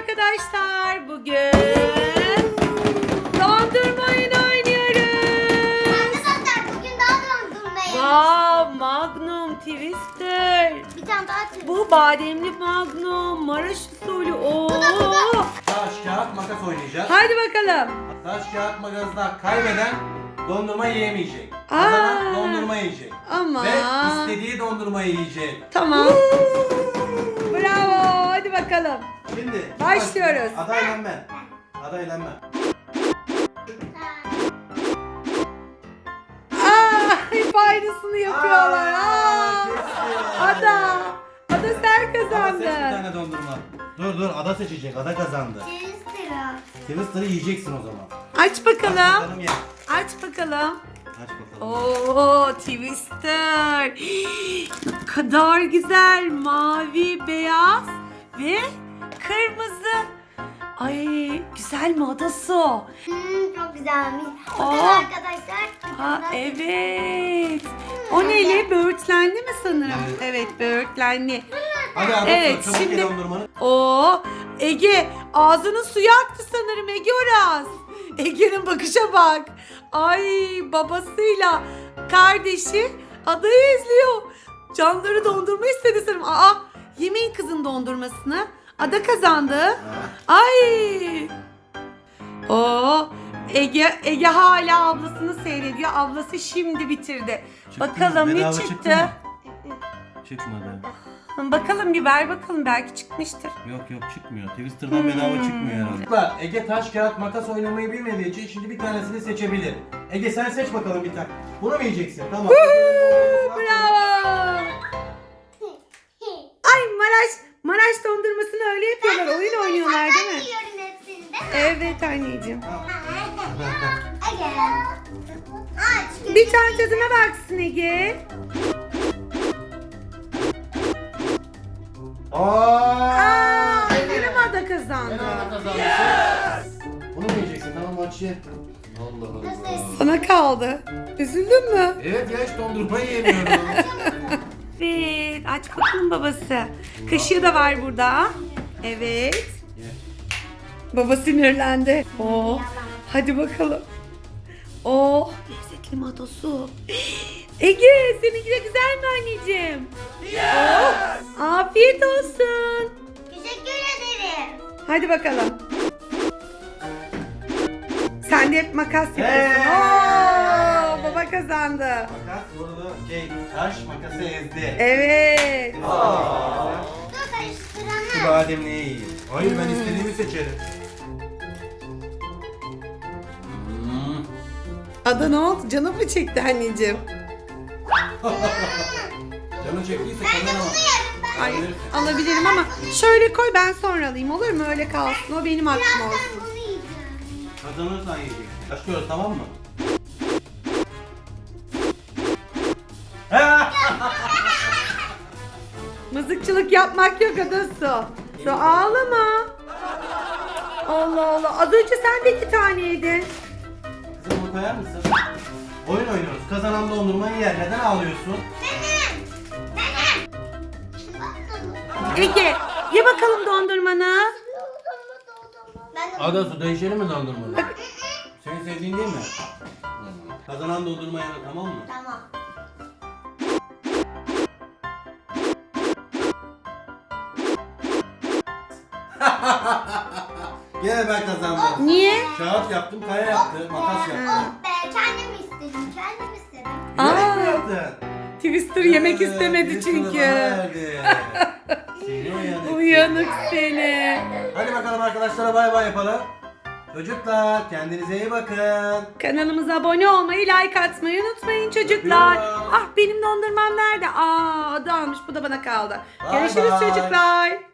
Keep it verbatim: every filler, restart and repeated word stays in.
arkadaşlar. Bugün dondurma oyunu oynuyoruz. Arkadaşlar bugün daha dondurmayı. Wow, Magnum Twister. Bir tane daha çevirdim. Bu bademli Magnum, Maraş usulü. Oo. Taş, kağıt, makas oynayacağız. Hadi bakalım. Taş, kağıt, makasla kaybeden dondurma yiyemeyecek. Aa. Kazanan dondurma yiyecek. Ama. Ve istediği dondurmayı yiyecek. Tamam. Bravo. Hadi bakalım. Şimdi Başlıyoruz. Adayla ben. Adayla ben. Aa, hep aynısını yapıyorlar. Aa. kesin. Ada. Ada sen Ada seç bir kazandın. tane dondurma. Dur dur, Ada seçecek. Ada kazandı. Twister'a. Twister'ı yiyeceksin o zaman. Aç Aç bakalım. bakalım ye. Aç bakalım. Aç bakalım. Oo, Twister. Ne kadar güzel. Mavi, beyaz ve kırmızı. Ay, güzel mi adası? Hmm, çok güzelmiş. Aa. Bakın arkadaşlar. Ha, evet. O neli? Böğürtlenli mi sanırım? Evet. Evet, böğürtlenli. Hadi Ada, Evet, çabuk şimdi- ye dondurmanı. Oo, Ege ağzının suyu aktı sanırım Ege Oraz. Ege'nin bakışa bak. Ay, babasıyla kardeşi adayı izliyor. Canları dondurma istedi sanırım. Aa, yemeyin kızın dondurmasını. Ada kazandı. Ay. Oo, Ege Ege hala ablasını seyrediyor. Ablası şimdi bitirdi. Çıktı Bakalım mı? ne Bedava çıktı? çıktı mı? Çıkmadı. Bakalım bir ver bakalım, belki çıkmıştır. Yok yok, çıkmıyor. Twister'dan bedava çıkmıyor herhalde. Ege taş kağıt makas oynamayı bilmediği için şimdi bir tanesini seçebilir. Ege sen seç bakalım bir tane. Bunu mu yiyeceksin? Tamam. Bravo. Ay, Maraş Maraş dondurmasını öyle yapıyorlar. Oyun oynuyorlar değil Ben mi? yiyorum hepsini değil mi? Evet anneciğim. Ege. Aç. Bir tane tadına baksın Ege. Aa! Aa, benim ada kazandı. Bunu mu yiyeceksin? Tamam, aç ye. Allah Allah. Sana kaldı. Üzüldün mü? Evet ya, hiç dondurma yiyemiyorum. Evet. Aç bakalım babası. Kaşığı da var burada. Evet. Ye. Baba sinirlendi. Oh. Hadi bakalım. Oh. Lezzetli mi adosu? Ege, seninki de güzel mi anneciğim? Oh. Afiyet olsun. Teşekkür ederim. Hadi bakalım. Sen de hep makas yapıyorsun. Hey. Oo, baba kazandı. Makas vurdu. Şey, taş makası ezdi. Evet. Aa. Dur Şu karıştıranı. bademliği yiyeyim. Hayır, ben istediğimi seçerim. Hmm. Ada ne oldu? Canım mı çekti anneciğim? Canı çektiyse Ben de kazanamam. bunu yerim ben. Ay, alabilirim ama şöyle koy, ben sonra alayım, olur mu? Öyle kalsın. O benim hakkım Ben olsun. bunu yiyeceğim. Kazanırsan yiyeceksin. Başlıyoruz, tamam mı? Mızıkçılık yapmak yok adası. Su ağlama. Allah Allah. Az önce sen de iki tane yedin. Kızım, bunu koyar mısın? Oyun oynuyoruz. Kazanan dondurmayı yer. Neden ağlıyorsun? Benim. Benim. Ege, ye bakalım dondurmanı. Ben de Ada, su değişelim mi dondurmanı? Senin sevdiğin değil mi? Kazanan dondurma yer, tamam mı? Tamam. Gene ben kazandım. Niye? Kağıt yaptım, kaya yaptı, makas yaptı. Oh be, kendim istedim. Kendim istedim. Aa. Ne yaptın? Twister yemek Evet, istemedi Twister'ı çünkü. bana verdi. Seni uyanık. Uyanık seni. Hadi bakalım arkadaşlara, bay bay yapalım. Çocuklar, kendinize iyi bakın. Kanalımıza abone olmayı, like atmayı unutmayın çocuklar. Öpüyorum. Ah, benim dondurmam nerede? Aa, adı almış, bu da bana kaldı. Bay Görüşürüz bay. çocuklar.